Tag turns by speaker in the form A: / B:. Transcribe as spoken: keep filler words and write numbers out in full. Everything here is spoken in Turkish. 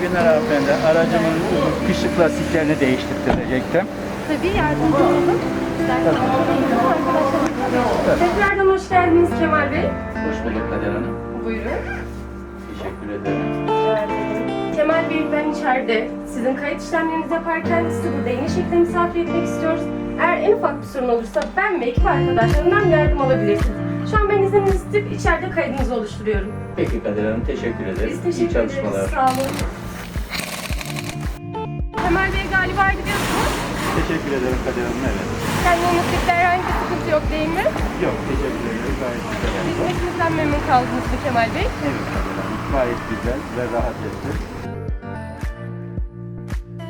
A: günler hanımefendi. Aracımın kışlık lastiklerini değiştirtirecektim.
B: Tabii yardımcı olalım. İsterseniz arkadaşlar. Tekrardan hoş geldiniz Kemal Bey.
A: Hoş bulduk Kader Hanım.
B: Buyurun.
A: Teşekkür ederim.
B: Rica ederim. Kemal Bey, ben içeride sizin kayıt işlemlerinizi yaparken sizi burada yeni şekilde misafir etmek istiyoruz. Eğer en ufak bir sorun olursa ben ve ekip arkadaşlarımdan yardım alabilirsiniz. Şu an ben izninizi isteyip içeride kaydınızı oluşturuyorum.
A: Peki Kader Hanım, teşekkür ederim.
B: Biz teşekkür
A: İyi çalışmalar.
B: ederiz. Sağ olun. Kemal Bey, galiba gidiyorsunuz.
A: Teşekkür ederim Kader Hanım, evet.
B: Kendinizde herhangi bir sıkıntı yok değil mi?
A: Yok, teşekkür ederim. Gayet güzel oldu.
B: Hizmetinizden memnun kaldınız mı Kemal Bey?
A: Evet Kader Hanım, gayet güzel ve rahat etti.